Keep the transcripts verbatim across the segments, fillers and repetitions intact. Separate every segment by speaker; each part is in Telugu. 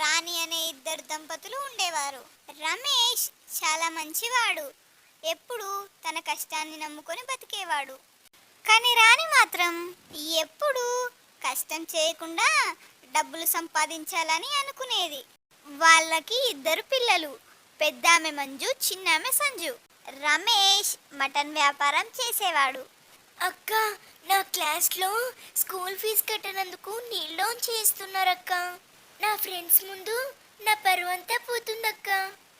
Speaker 1: రాణి అనే ఇద్దరు దంపతులు ఉండేవారు. రమేష్ చాలా మంచివాడు, ఎప్పుడు తన కష్టాన్ని నమ్ముకొని బతికేవాడు. కానీ రాణి మాత్రం ఎప్పుడు కష్టం చేయకుండా డబ్బులు సంపాదించాలని అనుకునేది. వాళ్ళకి ఇద్దరు పిల్లలు, పెద్దామె మంజు, చిన్నామె సంజు. రమేష్ మటన్ వ్యాపారం చేసేవాడు.
Speaker 2: అక్క, నా క్లాస్లో స్కూల్ ఫీజు కట్టనందుకు నీళ్ళు చేస్తున్నారక్క. నా ఫ్రెండ్స్ ముందు నా పరువంతా పోతుందక్క.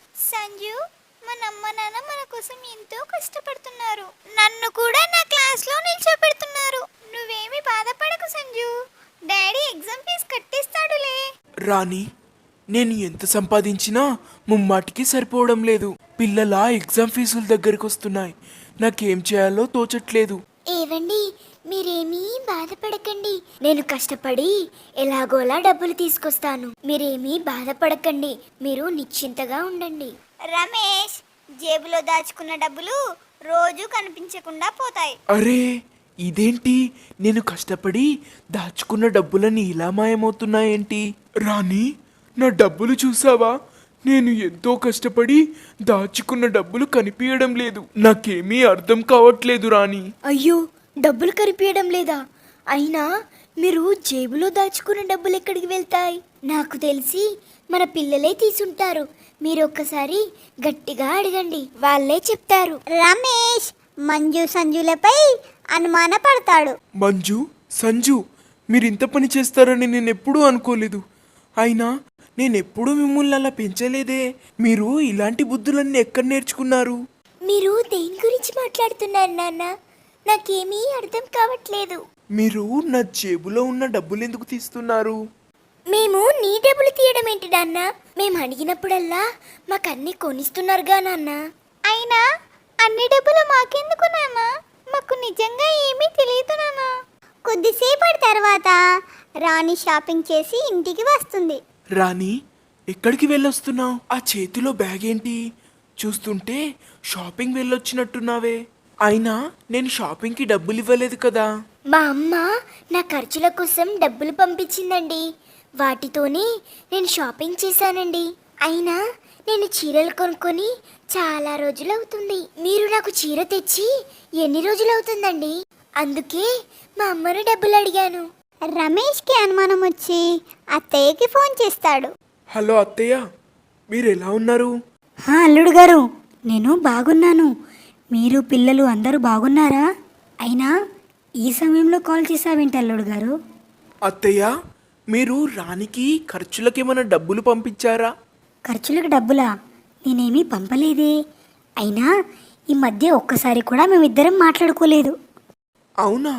Speaker 1: సంజు, మన అమ్మ నాన్న మన కోసం ఎంతో కష్టపడుతున్నారు. నన్ను కూడా నా క్లాస్లో నిల్చోబెడుతున్నారు. నువ్వేమి బాధపడకు సంజు, డాడీ ఎగ్జామ్ ఫీజు కట్టేస్తాడులే.
Speaker 3: రాణి, నేను ఎంత సంపాదించినా ముమ్మాటికి సరిపోవడం లేదు. పిల్లల ఎగ్జామ్ ఫీజుల దగ్గరికి వస్తున్నాయి. నాకేం చేయాలో తోచట్లేదు.
Speaker 2: ఏవండి, మీరేమీ బాధపడకండి. నేను కష్టపడి ఎలాగోలా డబ్బులు తీసుకొస్తాను. మీరేమీ బాధపడకండి. మీరు నిశ్చింతగా ఉండండి.
Speaker 1: రమేష్ జేబులో దాచుకున్న డబ్బులు రోజు కనిపించకుండా పోతాయి.
Speaker 3: అరే, ఇదేంటి? నేను కష్టపడి దాచుకున్న డబ్బులని ఇలా మాయమవుతున్నాయేంటి? రాణి, నా డబ్బులు చూసావా? నేను ఎంతో కష్టపడి దాచుకున్న డబ్బులు కనిపించడం లేదు. నాకేమీ అర్థం కావట్లేదు రాణి.
Speaker 2: అయ్యో, డబ్బులు కనిపించడం లేదా? అయినా మీరు జేబులో దాచుకున్న డబ్బులు ఎక్కడికి వెళ్తాయి? నాకు తెలిసి మన పిల్లలే తీసుంటారు. మీరు ఒక్కసారి గట్టిగా అడగండి, వాళ్ళే చెప్తారు.
Speaker 1: రమేష్ మంజు సంజులపై అనుమానపడతాడు.
Speaker 3: మంజు, సంజు, మీరింత పని చేస్తారని నేను ఎప్పుడూ అనుకోలేదు. అయినా నేనెప్పుడూ మిమ్మల్ని అలా పెంచలేదే. మీరు ఇలాంటి బుద్ధులన్నీ ఎక్కడ నేర్చుకున్నారు?
Speaker 2: మీరు దేని గురించి మాట్లాడుతున్నారు నాన్న? నాకేమీ అర్థం కావట్లేదు.
Speaker 3: మీరు నా జేబులో ఉన్న డబ్బులు ఎందుకు తీస్తున్నారు?
Speaker 2: మేము నీ డబ్బులు తీయడం ఏంటి నాన్న? మేము అడిగినప్పుడల్లా మాకు అన్ని కొనిస్తున్నారుగా నాన్న.
Speaker 1: అయినా అన్ని డబ్బులు మాకెందుకు నాన్న? మాకు నిజంగా ఏమీ తెలియదు నాన్న. కొద్దిసేపటి తర్వాత రాణి షాపింగ్ చేసి ఇంటికి వస్తుంది.
Speaker 3: రాణి, ఎక్కడికి వెళ్ళొస్తున్నావు? ఆ చేతిలో బ్యాగ్ ఏంటి? చూస్తుంటే షాపింగ్ వెళ్ళొచ్చినట్టున్నావే. అయినా నేను షాపింగ్కి డబ్బులు ఇవ్వలేదు కదా.
Speaker 2: మా అమ్మ నా ఖర్చుల కోసం డబ్బులు పంపించిందండి. వాటితోనే నేను షాపింగ్ చేశానండి. అయినా నేను చీరలు కొనుక్కొని చాలా రోజులు అవుతుంది. మీరు నాకు చీర తెచ్చి ఎన్ని రోజులు అవుతుందండి? అందుకే మా అమ్మను డబ్బులు అడిగాను.
Speaker 1: రమేష్కి అనుమానం వచ్చి అత్తయ్యకి ఫోన్ చేస్తాడు.
Speaker 3: హలో అత్తయ్య, మీరు ఎలా ఉన్నారు?
Speaker 4: అల్లుడు గారు, నేను బాగున్నాను. మీరు పిల్లలు అందరూ బాగున్నారా? అయినా ఈ సమయంలో కాల్ చేసావేంటి అల్లుడు గారు?
Speaker 3: అత్తయ్య, మీరు రాణికి ఖర్చులకేమైనా డబ్బులు పంపించారా?
Speaker 4: ఖర్చులకు డబ్బులా? నేనేమీ పంపలేదే. అయినా ఈ మధ్య ఒక్కసారి కూడా మేమిద్దరం మాట్లాడుకోలేదు.
Speaker 3: అవునా?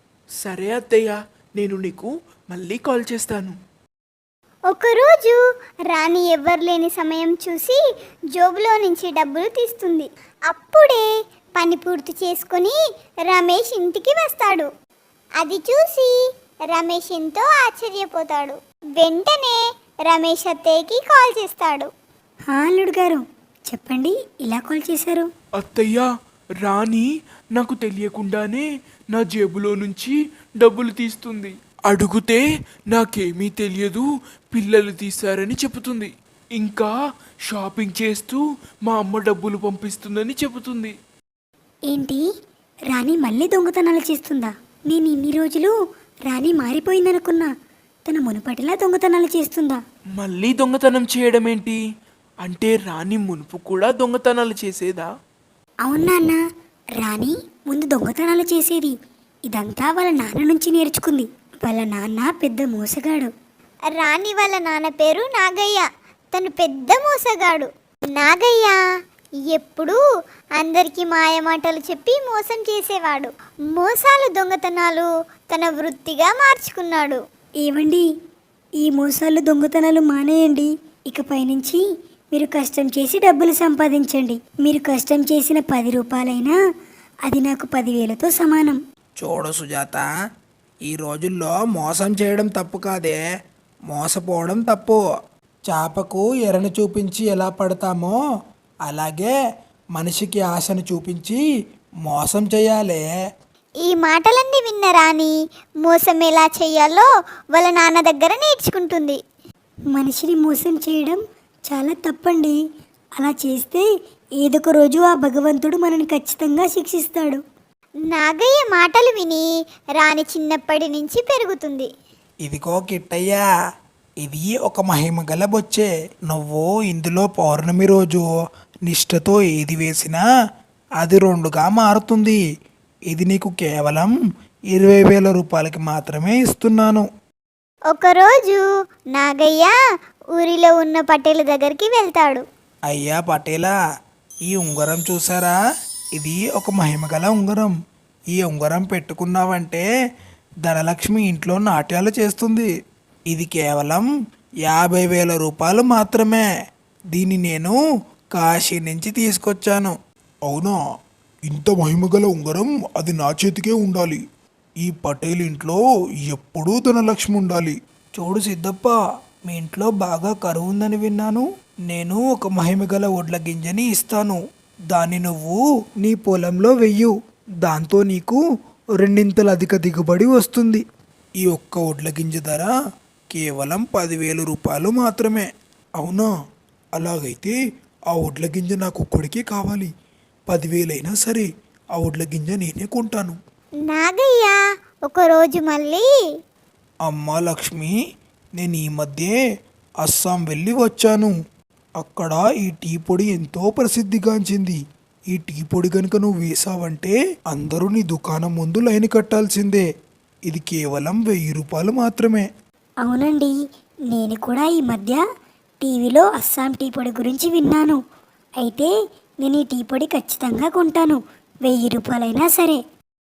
Speaker 3: సరే అత్తయ్య, నేను నీకు మళ్ళీ కాల్ చేస్తాను.
Speaker 1: ఒకరోజు రాణి ఎవ్వరు లేని సమయం చూసి జోబులో నుంచి డబ్బులు తీస్తుంది. అప్పుడే పని పూర్తి చేసుకుని రమేష్ ఇంటికి వస్తాడు. అది చూసి రమేష్ ఎంతో ఆశ్చర్యపోతాడు. వెంటనే రమేష్ అత్తయ్యకి కాల్ చేస్తాడు.
Speaker 4: అల్లుడు గారు, చెప్పండి, ఇలా కాల్ చేశారు?
Speaker 3: అత్తయ్య, రాణి నాకు తెలియకుండానే నా జేబులో నుంచి డబ్బులు తీస్తుంది. అడుగుతే నాకేమీ తెలియదు, పిల్లలు తీశారని చెబుతుంది. ఇంకా షాపింగ్ చేస్తూ మా అమ్మ డబ్బులు పంపిస్తుందని చెబుతుంది.
Speaker 4: ఏంటి, రాణి మళ్ళీ దొంగతనాలు చేస్తుందా? నేను ఇన్ని రోజులు రాణి మారిపోయిందనుకున్నా. తన మునుపటిలా దొంగతనాలు చేస్తుందా?
Speaker 3: మళ్ళీ దొంగతనం చేయడం ఏంటి? అంటే రాణి మునుపు కూడా దొంగతనాలు చేసేదా?
Speaker 4: అవునా అన్న, రాణి ముందు దొంగతనాలు చేసేది. ఇదంతా వాళ్ళ నాన్న నుంచి నేర్చుకుంది. వాళ్ళ నాన్న పెద్ద మోసగాడు.
Speaker 1: రాణి వాళ్ళ నాన్న పేరు నాగయ్య. తను పెద్ద మోసగాడు. నాగయ్య ఎప్పుడూ అందరికీ మాయమాటలు చెప్పి మోసం చేసేవాడు. మోసాలు, దొంగతనాలు తన వృత్తిగా మార్చుకున్నాడు.
Speaker 4: ఏవండి, ఈ మోసాలు దొంగతనాలు మానేయండి. ఇకపై నుంచి మీరు కష్టం చేసి డబ్బులు సంపాదించండి. మీరు కష్టం చేసిన పది రూపాయలైనా అది నాకు పదివేలతో సమానం.
Speaker 5: చూడు సుజాత, ఈ రోజుల్లో మోసం చేయడం తప్పు కాదే, మోసపోవడం తప్పు. చేపకు ఎరను చూపించి ఎలా పడతామో అలాగే మనిషికి ఆశను చూపించి మోసం చేయాలి.
Speaker 1: ఈ మాటలన్నీ విన్న రాణి మోసం ఎలా చెయ్యాలో వాళ్ళ నాన్న దగ్గర నేర్చుకుంటుంది.
Speaker 4: మనిషిని మోసం చేయడం చాలా తప్పండి. అలా చేస్తే ఏదొక రోజు ఆ భగవంతుడు మనని ఖచ్చితంగా శిక్షిస్తాడు.
Speaker 1: నాగయ్య మాటలు విని రాణి చిన్నప్పటి నుంచి పెరుగుతుంది.
Speaker 5: ఇదిగో కిట్టయ్యా, ఇది ఒక మహిమ గల బొచ్చే. నువ్వు ఇందులో పౌర్ణమి రోజు నిష్ఠతో ఏది వేసినా అది రెండుగా మారుతుంది. ఇది నీకు కేవలం ఇరవై వేల రూపాయలకి మాత్రమే ఇస్తున్నాను.
Speaker 1: ఒకరోజు నాగయ్య ఊరిలో ఉన్న పటేల దగ్గరికి వెళ్తాడు.
Speaker 5: అయ్యా పటేలా, ఈ ఉంగరం చూసారా? ఇది ఒక మహిమగల ఉంగరం. ఈ ఉంగరం పెట్టుకున్నావంటే ధనలక్ష్మి ఇంట్లో నాట్యాలు చేస్తుంది. ఇది కేవలం యాభై వేల రూపాయలు మాత్రమే. దీన్ని నేను కాశీ నుంచి తీసుకొచ్చాను.
Speaker 6: అవునా? ఇంత మహిమగల ఉంగరం అది నా చేతికే ఉండాలి. ఈ పటేల్ ఇంట్లో ఎప్పుడూ ధనలక్ష్మి ఉండాలి.
Speaker 5: చూడు సిద్ధప్ప, మీ ఇంట్లో బాగా కరువు ఉందని విన్నాను. నేను ఒక మహిమగల వడ్ల గింజని ఇస్తాను. దాన్ని నువ్వు నీ పొలంలో వెయ్యు. దాంతో నీకు రెండింతల అధిక దిగుబడి వస్తుంది. ఈ ఒక్క వడ్ల గింజ ధర కేవలం పదివేల రూపాయలు మాత్రమే.
Speaker 6: అవునా? అలాగైతే ఆ వడ్ల గింజ నాకు ఒక్కడికే కావాలి. పదివేలైనా సరే ఆ వడ్ల గింజ నేనే కొంటాను.
Speaker 1: నాగయ్య ఒకరోజు మళ్ళీ
Speaker 5: అమ్మా లక్ష్మి, నేను ఈ మధ్యే అస్సాం వెళ్ళి వచ్చాను. అక్కడ ఈ టీ పొడి ఎంతో ప్రసిద్ధిగాంచింది. ఈ టీ పొడి కనుక నువ్వు వేసావంటే అందరూ నీ దుకాణం ముందు లైన్ కట్టాల్సిందే. ఇది కేవలం వెయ్యి రూపాయలు మాత్రమే.
Speaker 4: అవునండి, నేను కూడా ఈ మధ్య టీవీలో అస్సాం టీ పొడి గురించి విన్నాను. అయితే నేను ఈ టీ పొడి ఖచ్చితంగా కొంటాను, వెయ్యి రూపాయలైనా సరే.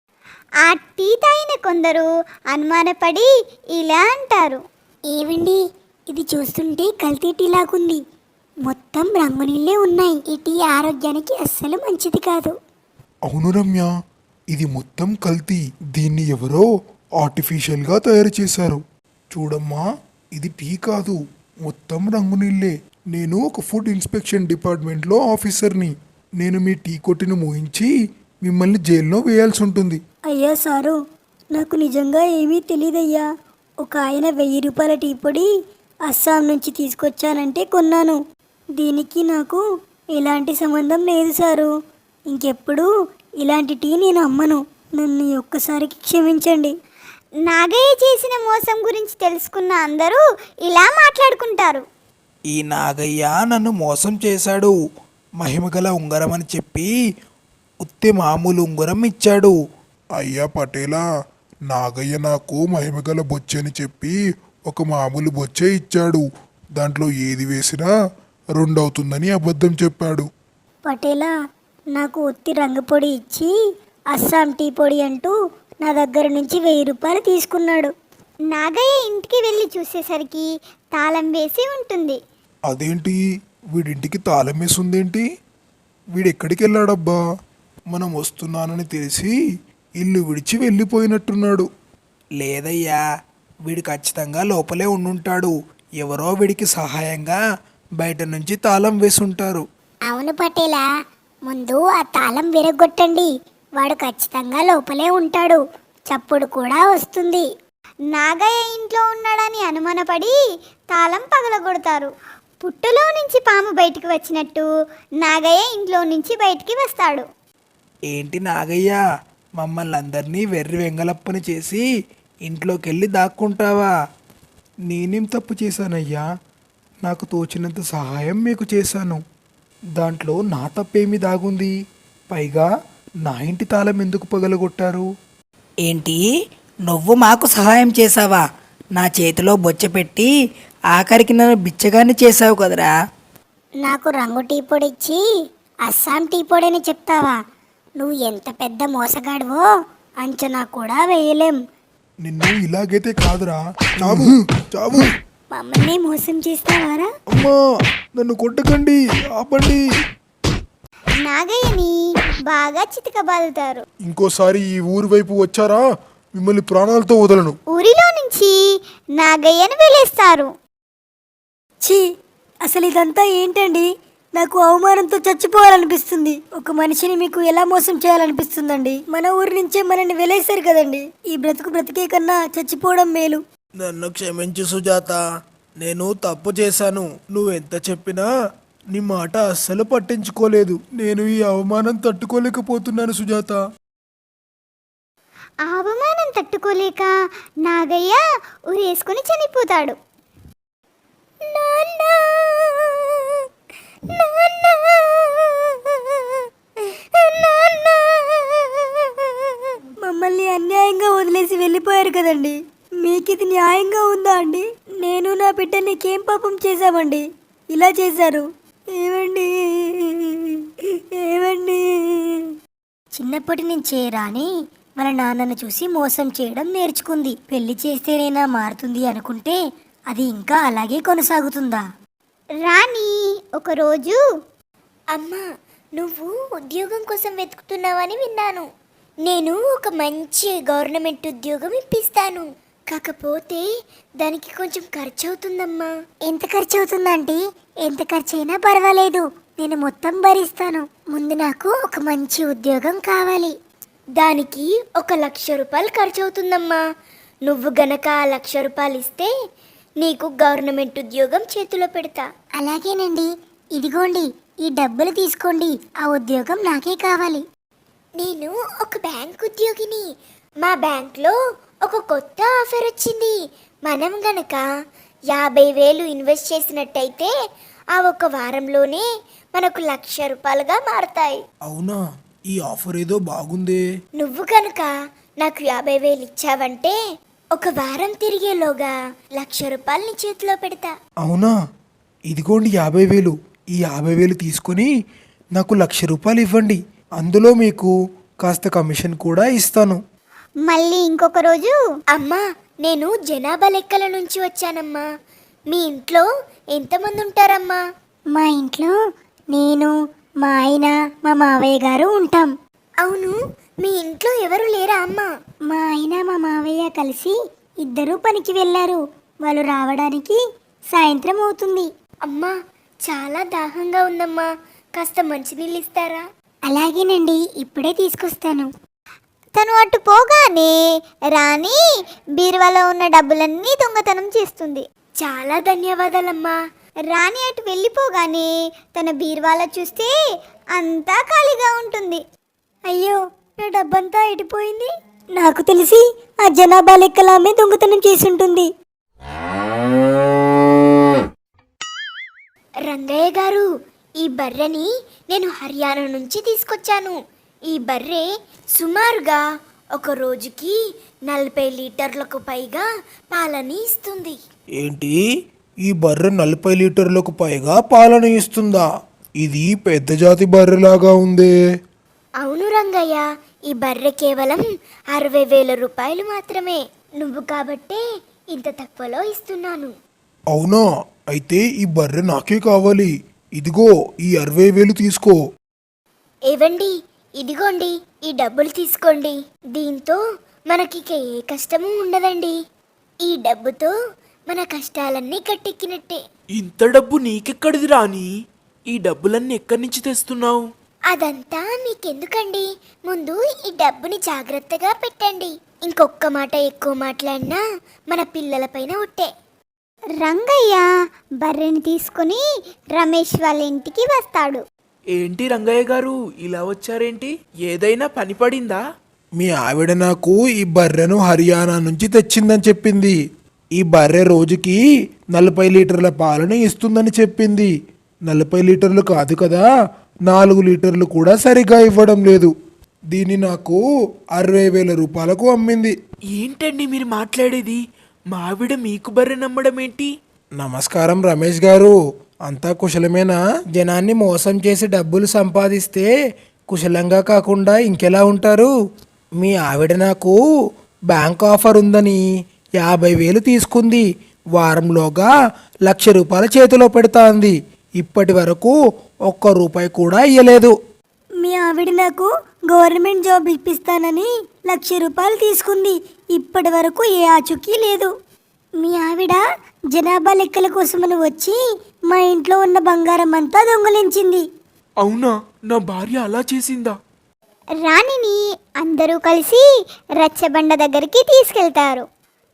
Speaker 1: ఆ టీ తాగిన కొందరు అనుమానపడి ఇలా అంటారు.
Speaker 2: ఏవండి, ఇది చూస్తుంటే కల్తీ టీ లాగుంది. మొత్తం రంగు నీళ్ళే ఉన్నాయి. ఈ టీ ఆరోగ్యానికి అస్సలు మంచిది కాదు.
Speaker 6: అవును రమ్య, ఇది మొత్తం కల్తీ. దీన్ని ఎవరో ఆర్టిఫిషియల్గా తయారు చేశారు. చూడమ్మా, ఇది టీ కాదు, మొత్తం రంగు నీళ్ళే. నేను ఒక ఫుడ్ ఇన్స్పెక్షన్ డిపార్ట్మెంట్లో ఆఫీసర్ని. నేను మీ టీ కొట్టిని మోయించి మిమ్మల్ని జైల్లో వేయాల్సి ఉంటుంది.
Speaker 4: అయ్యా సారు, నాకు నిజంగా ఏమీ తెలియదయ్యా. ఒక ఆయన వెయ్యి రూపాయల టీ పొడి అస్సాం నుంచి తీసుకొచ్చానంటే కొన్నాను. దీనికి నాకు ఎలాంటి సంబంధం లేదు సారు. ఇంకెప్పుడు ఇలాంటి టీ నేను అమ్మను. నన్ను ఈ ఒక్కసారికి క్షమించండి.
Speaker 1: నాగయ్య చేసిన మోసం గురించి తెలుసుకున్న అందరూ ఇలా మాట్లాడుకుంటారు.
Speaker 5: ఈ నాగయ్య నన్ను మోసం చేశాడు. మహిమగల ఉంగరం అని చెప్పి ఉత్తి మామూలు ఉంగరం ఇచ్చాడు.
Speaker 6: అయ్యా పటేలా, నాగయ్య నాకు మహిమగల బొచ్చే అని చెప్పి ఒక మామూలు బొచ్చే ఇచ్చాడు. దాంట్లో ఏది వేసినా రెండవుతుందని అబద్ధం చెప్పాడు.
Speaker 4: పటేలా, నాకు ఒత్తి రంగు పొడి ఇచ్చి అస్సాం టీ పొడి అంటూ నా దగ్గర నుంచి వెయ్యి రూపాయలు తీసుకున్నాడు.
Speaker 1: నాగయ్య ఇంటికి వెళ్ళి చూసేసరికి తాళం వేసి ఉంటుంది.
Speaker 6: అదేంటి, వీడింటికి తాళం వేసుందేంటి? వీడెక్కడికి వెళ్ళాడబ్బా? మనం వస్తున్నానని తెలిసి ఇల్లు విడిచి వెళ్ళిపోయినట్టున్నాడు.
Speaker 5: లేదయ్యా, వీడు ఖచ్చితంగా లోపలే ఉండుంటాడు. ఎవరో వీడికి సహాయంగా బయట నుంచి తాళం వేసుంటారు.
Speaker 2: అవును పటేలా, ముందు ఆ తాళం విరగొట్టండి. వాడు ఖచ్చితంగా లోపలే ఉంటాడు. చప్పుడు కూడా వస్తుంది.
Speaker 1: నాగయ్య ఇంట్లో ఉన్నాడని అనుమానపడి తాళం పగలగొడతారు. పుట్టులో నుంచి పాము బయటికి వచ్చినట్టు నాగయ్య ఇంట్లో నుంచి బయటికి వస్తాడు.
Speaker 5: ఏంటి నాగయ్య, మమ్మల్ని అందరినీ వెర్రి వెంగలప్పని చేసి ఇంట్లోకి వెళ్ళి దాక్కుంటావా?
Speaker 6: నేనేం తప్పు చేశానయ్యా? నాకు తోచినంత సహాయం మీకు చేశాను. దాంట్లో నా తప్పేమి దాగుంది? పైగా నా ఇంటి తాళం ఎందుకు పగలగొట్టారు?
Speaker 7: ఏంటి, నువ్వు మాకు సహాయం చేసావా? నా చేతిలో బొచ్చ పెట్టి ఆఖరికి నన్ను బిచ్చగాన్ని చేసావు కదరా.
Speaker 2: నాకు రంగు టీ పొడి ఇచ్చి అస్సాం టీ పొడి అని చెప్తావా? నువ్వు ఎంత పెద్ద మోసగాడివో అంచనా కూడా వేయలేం.
Speaker 6: నిన్ను ఇలాగైతే కాదురా, చావు చావు.
Speaker 4: మమ్మల్ని మోసం చేస్తావారా?
Speaker 6: అమ్మా, నన్ను కొట్టకండి, ఆపండి.
Speaker 1: నాగయ్యని బాగా చితకబాదుతారు.
Speaker 6: ఇంకోసారి ఈ ఊరి వైపు వచ్చారా, మిమ్మల్ని ప్రాణాలతో వదలను.
Speaker 1: ఊరిలో నుంచి నాగయ్యను వెలేస్తారు.
Speaker 4: ఛీ, అసలు ఇదంతా ఏంటండి? నాకు అవమానంతో చచ్చిపోవాలనిపిస్తుంది. ఒక మనిషిని మీకు ఎలా మోసం చేయాలనిపిస్తుందండి? మన ఊరి నుంచే మనల్ని వెలేశారు కదండి. ఈ బ్రతుకు బ్రతికే కన్నా చచ్చిపోవడం మేలు.
Speaker 5: నన్ను క్షమించు సుజాత. నేను తప్పు చేశాను. నువ్వెంత చెప్పినా నీ మాట అస్సలు పట్టించుకోలేదు. నేను ఈ అవమానం తట్టుకోలేకపోతున్నాను సుజాత.
Speaker 1: ఆ అవమానం తట్టుకోలేక నాగయ్య ఉరేసుకొని చనిపోతాడు. నాన్నా, నాన్నా, నాన్నా.
Speaker 4: మమ్మల్ని అన్యాయంగా వదిలేసి వెళ్ళిపోయారు కదండి, మీకు ఇది న్యాయంగా ఉందా అండి? నేను నా బిడ్డ నీకేం పాపం చేశామండి ఇలా చేశారు? ఏమండి, ఏమండి? చిన్నప్పటి నుంచే రాని మన నాన్నను చూసి మోసం చేయడం నేర్చుకుంది. పెళ్లి చేస్తేనైనా మారుతుంది అనుకుంటే అది ఇంకా అలాగే కొనసాగుతుందా?
Speaker 1: రాణి ఒకరోజు
Speaker 2: అమ్మా, నువ్వు ఉద్యోగం కోసం వెతుకుతున్నావని విన్నాను. నేను ఒక మంచి గవర్నమెంట్ ఉద్యోగం ఇప్పిస్తాను. కాకపోతే దానికి కొంచెం ఖర్చు అవుతుందమ్మా. ఎంత ఖర్చు అవుతుందంటే ఎంత ఖర్చు అయినా పర్వాలేదు, నేను మొత్తం భరిస్తాను. ముందు నాకు ఒక మంచి ఉద్యోగం కావాలి. దానికి ఒక లక్ష రూపాయలు ఖర్చు అవుతుందమ్మా. నువ్వు గనక ఆ లక్ష రూపాయలు ఇస్తే నీకు గవర్నమెంట్ ఉద్యోగం చేతిలో పెడతా. అలాగేనండి, ఇదిగోండి ఈ డబ్బులు తీసుకోండి. ఆ ఉద్యోగం నాకే కావాలి. నేను ఒక బ్యాంక్ ఉద్యోగిని. మా బ్యాంక్లో ఒక కొత్త ఆఫర్ వచ్చింది. మనం గనక యాభై వేలు ఇన్వెస్ట్ చేసినట్టయితే ఆ ఒక వారంలోనే మనకు లక్ష రూపాయలుగా మారతాయి.
Speaker 5: అవునా? ఈ ఆఫర్ ఏదో బాగుందే.
Speaker 2: నువ్వు కనుక నాకు యాభై వేలు ఇచ్చావంటే ఒక వారం తిరిగేలోగా లక్ష రూపాయలు నీ చేతిలో పెడతా.
Speaker 5: అవునా? ఇదిగోండి యాభై వేలు. ఈ యాభై వేలు తీసుకొని నాకు లక్ష రూపాయలు ఇవ్వండి. అందులో మీకు కాస్త కమిషన్ కూడా ఇస్తాను.
Speaker 1: మళ్ళీ ఇంకొక రోజు
Speaker 2: అమ్మా, నేను జనాభా లెక్కల నుంచి వచ్చానమ్మా. మీ ఇంట్లో ఎంతమంది ఉంటారమ్మా?
Speaker 4: మా ఇంట్లో నేను, మా ఆయన, మా మావయ్య గారు ఉంటాం.
Speaker 2: అవును, మీ ఇంట్లో ఎవరు లేరా అమ్మా?
Speaker 4: మా ఆయన మా మావయ్య కలిసి ఇద్దరూ పనికి వెళ్ళారు. వాళ్ళు రావడానికి సాయంత్రం అవుతుంది.
Speaker 2: అమ్మా, చాలా దాహంగా ఉందమ్మా, కాస్త మంచినీళ్ళు ఇస్తారా?
Speaker 4: అలాగేనండి, ఇప్పుడే తీసుకొస్తాను.
Speaker 1: తను అటు పోగానే రాణి బీరువాలో ఉన్న డబ్బులన్నీ దొంగతనం చేస్తుంది.
Speaker 2: చాలా ధన్యవాదాలమ్మా.
Speaker 1: రాణి అటు వెళ్ళిపోగానే తన బీరువాలో చూస్తే అంతా ఖాళీగా ఉంటుంది.
Speaker 4: అయ్యో, నా డబ్బంతా ఎడిపోయింది. నాకు తెలిసి ఆ జనాభా లెక్కలామే దొంగతనం చేసి ఉంటుంది.
Speaker 2: రంగయ్య గారు, ఈ బర్రెని నేను హర్యానా నుంచి తీసుకొచ్చాను. ఈ బర్రె సుమారుగా ఒక రోజుకి నలభై లీటర్లకు పైగా పాలని ఇస్తుంది.
Speaker 5: ఏంటి? ఈ బర్రె నలభై లీటర్లకు పైగా పాలన ఇస్తుందా? ఇది పెద్ద జాతి బర్రెలాగా ఉందే.
Speaker 2: అవును రంగయ్య, ఈ బర్రె కేవలం అరవై వేల రూపాయలు మాత్రమే. నువ్వు కాబట్టే ఇంత తక్కువలో ఇస్తున్నాను.
Speaker 5: అవునా? అయితే ఈ బర్రె నాకే కావాలి. ఇదిగో ఈ అరవై వేలు తీసుకో.
Speaker 2: ఏవండి, ఇదిగోండి ఈ డబ్బులు తీసుకోండి. దీంతో మనకిక ఏ కష్టము ఉండదండి. ఈ డబ్బుతో మన కష్టాలన్నీ కట్టెక్కినట్టే.
Speaker 3: ఇంత డబ్బు నీకెక్కడిది రాని? ఈ డబ్బులన్నీ ఎక్కడి నుంచి తెస్తున్నావు?
Speaker 2: అదంతా మీకెందుకండి, ముందు ఈ డబ్బుని జాగ్రత్తగా పెట్టండి. ఇంకొక్క మాట ఎక్కువ మాట్లాడినా మన పిల్లలపైన ఒట్టే.
Speaker 1: రంగయ్య బర్రెని తీసుకుని రమేష్ వాళ్ళ ఇంటికి వస్తాడు.
Speaker 3: ఏంటి రంగయ్య గారు ఇలా వచ్చారేంటి? ఏదైనా పని పడిందా?
Speaker 5: మీ ఆవిడ నాకు ఈ బర్రెను హర్యానా నుంచి తెచ్చిందని చెప్పింది. ఈ బర్రె రోజుకి నలభై లీటర్ల పాలను ఇస్తుందని చెప్పింది. నలభై లీటర్లు కాదు కదా, నాలుగు లీటర్లు కూడా సరిగా ఇవ్వడం లేదు. దీన్ని నాకు అరవై వేల రూపాయలకు అమ్మింది.
Speaker 3: ఏంటండి మీరు మాట్లాడేది? మా ఆవిడ మీకు బర్రె నమ్మడం ఏంటి?
Speaker 5: నమస్కారం రమేష్ గారు, అంతా కుశలమేనా? జనాన్ని మోసం చేసి డబ్బులు సంపాదిస్తే కుశలంగా కాకుండా ఇంకెలా ఉంటారు? మీ ఆవిడ నాకు బ్యాంక్ ఆఫర్ ఉందని యాభై వేలు తీసుకుంది. వారంలోగా లక్ష రూపాయల చేతిలో పెడతా అంది. ఇప్పటి వరకు ఒక్క రూపాయి కూడా ఇయ్యలేదు.
Speaker 4: మీ ఆవిడ నాకు గవర్నమెంట్ జాబ్ ఇప్పిస్తానని లక్ష రూపాయలు తీసుకుంది. ఇప్పటి వరకు ఏ ఆచూకీ లేదు. మీ ఆవిడ జనాభా లెక్కల కోసమని వచ్చి మా ఇంట్లో ఉన్న బంగారం అంతా దొంగలించింది.
Speaker 3: అవునా? నా భార్య అలా చేసిందా?
Speaker 1: రాణిని అందరూ కలిసి రచ్చబండ దగ్గరికి తీసుకెళ్తారు.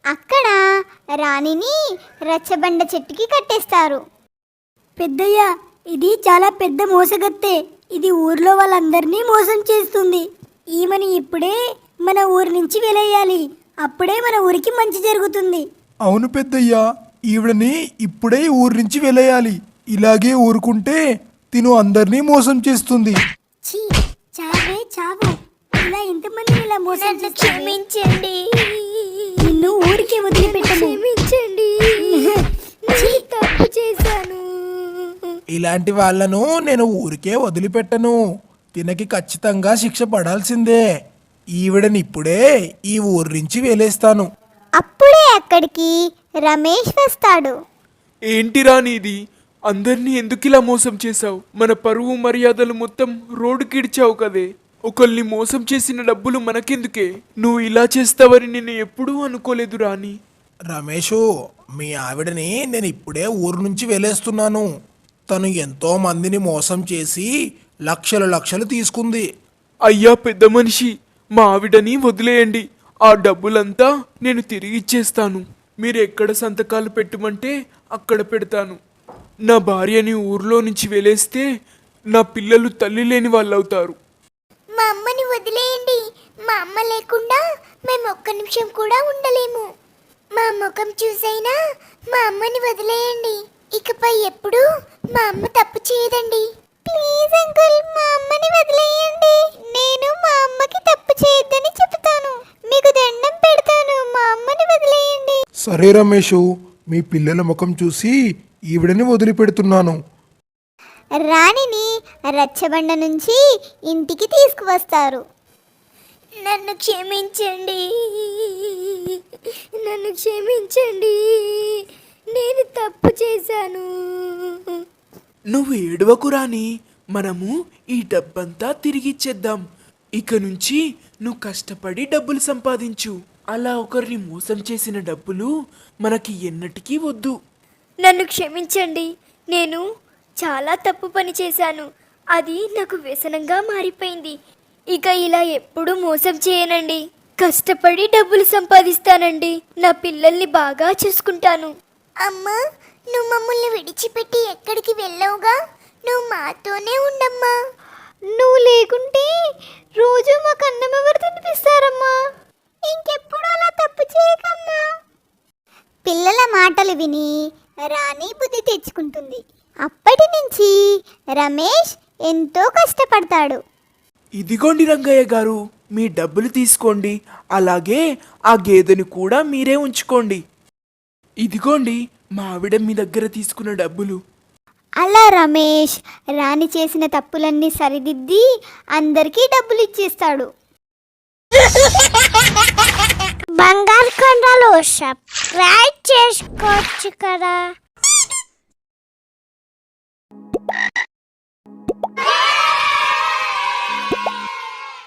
Speaker 1: అక్కడ రాణిని రచ్చబండ చెట్టుకి కట్టేస్తారు.
Speaker 4: పెద్దయ్య, ఇది చాలా పెద్ద మోసగత్తె. ఇది ఊర్లో వాళ్ళందరినీ మోసం చేస్తుంది. ఈమెని ఇప్పుడే మన ఊరి నుంచి వెలేయాలి. అప్పుడే మన ఊరికి మంచి జరుగుతుంది.
Speaker 5: అవును పెద్దయ్యా, ఈవిడని ఇప్పుడే ఊరి నుంచి వెలేయాలి. ఇలాగే ఊరుకుంటే తిను అందరినీ మోసం చేస్తుంది.
Speaker 4: ఛీ, చావే చావు. ఇలా ఎంతమందిని ఇలా మోసం
Speaker 2: నన్ను
Speaker 4: చేస్తావే?
Speaker 2: క్షమించండి.
Speaker 4: నిన్ను ఊరికే వదిలిపెట్టను.
Speaker 2: క్షమించండి. నేను తప్పు చేశాను.
Speaker 5: ఇలాంటి వాళ్ళను నేను ఊరికే వదిలిపెట్టను. తినకి ఖచ్చితంగా శిక్ష పడాల్సిందే. ఈవిడని ఇప్పుడే ఈ ఊరి నుంచి వేలేస్తాను.
Speaker 1: అప్పుడే అక్కడికి రమేష్ వస్తాడు.
Speaker 3: ఏంటి రాని ఇది? అందరినీ ఎందుకు ఇలా మోసం చేశావు? మన పరువు మర్యాదలు మొత్తం రోడ్డుకిడిచావు కదే. ఒకళ్ళని మోసం చేసిన డబ్బులు మనకెందుకే? నువ్వు ఇలా చేస్తావని నేను ఎప్పుడూ అనుకోలేదు రాని.
Speaker 5: రమేషు, మీ ఆవిడని నేను ఇప్పుడే ఊరు నుంచి వేలేస్తున్నాను. తను ఎంతో మందిని మోసం చేసి లక్షలు లక్షలు తీసుకుంది.
Speaker 3: అయ్యా పెద్ద మనిషి, మా ఆవిడని వదిలేయండి. ఆ డబ్బులంతా నేను తిరిగి ఇచ్చేస్తాను. మీరు ఎక్కడ సంతకాలు పెట్టమంటే అక్కడ పెడతాను. నా భార్యని ఊర్లో నుంచి వెలేస్తే నా పిల్లలు తల్లి లేని వాళ్ళు అవుతారు.
Speaker 2: మా అమ్మని వదిలేయండి. మా అమ్మ లేకుండా మేము ఒక్క నిమిషం కూడా ఉండలేము. మా ముఖం చూసైనా మా అమ్మని వదిలేయండి. ఇకపై ఎప్పుడు మా అమ్మ తప్పు చేయదండి.
Speaker 1: ప్లీజ్ అంకుల్, మా అమ్మని వదిలేయండి. నేను మా అమ్మకి తప్పు చేయొద్దని చెప్తాను. మీకు దండం పెడతాను. మా అమ్మని వదిలేయండి.
Speaker 6: సరే రమేషు, మీ పిల్లల ముఖం చూసి ఈవిడని వదిలిపెడుతున్నాను.
Speaker 1: రాణిని రచ్చబండ నుంచి ఇంటికి తీసుకువస్తారు.
Speaker 2: నన్ను క్షమించండి. నన్ను క్షమించండి. నేను తప్పు చేశాను.
Speaker 3: నువ్వు ఏడవకు రాని, మనము ఈ డబ్బంతా తిరిగిచ్చేద్దాం. ఇక నుంచి నువ్వు కష్టపడి డబ్బులు సంపాదించు. అలా ఒకరిని మోసం చేసిన డబ్బులు మనకి ఎన్నటికీ వద్దు.
Speaker 2: నన్ను క్షమించండి. నేను చాలా తప్పు పని చేశాను. అది నాకు వ్యసనంగా మారిపోయింది. ఇక ఇలా ఎప్పుడూ మోసం చేయనండి. కష్టపడి డబ్బులు సంపాదిస్తానండి. నా పిల్లల్ని బాగా చూసుకుంటాను.
Speaker 1: అమ్మా, నువ్వు మమ్మల్ని విడిచిపెట్టి ఎక్కడికి వెళ్ళవుగా? నువ్వు మాతోనే ఉండమ్మా. నువ్వు లేకుంటే రోజు మాకు అన్నం ఎవరు తినిపిస్తారమ్మా? ఇంకెప్పుడు అలా తప్పు చేయకమ్మా. పిల్లల మాటలు విని రాణి బుద్ధి తెచ్చుకుంటుంది. అప్పటి నుంచి రమేష్ ఎంతో కష్టపడతాడు.
Speaker 3: ఇదిగోండి రంగయ్య గారు, మీ డబ్బులు తీసుకోండి. అలాగే ఆ గేదెని కూడా మీరే ఉంచుకోండి. ఇదిగోండి మా ఆవిడ మీ దగ్గర తీసుకున్న డబ్బులు.
Speaker 1: అలా రమేష్ రాణి చేసిన తప్పులన్నీ సరిదిద్ది అందరికీ డబ్బులు ఇచ్చేస్తాడు. బంగారు కొండలు సబ్స్క్రైబ్ చేసుకోవచ్చు కదా.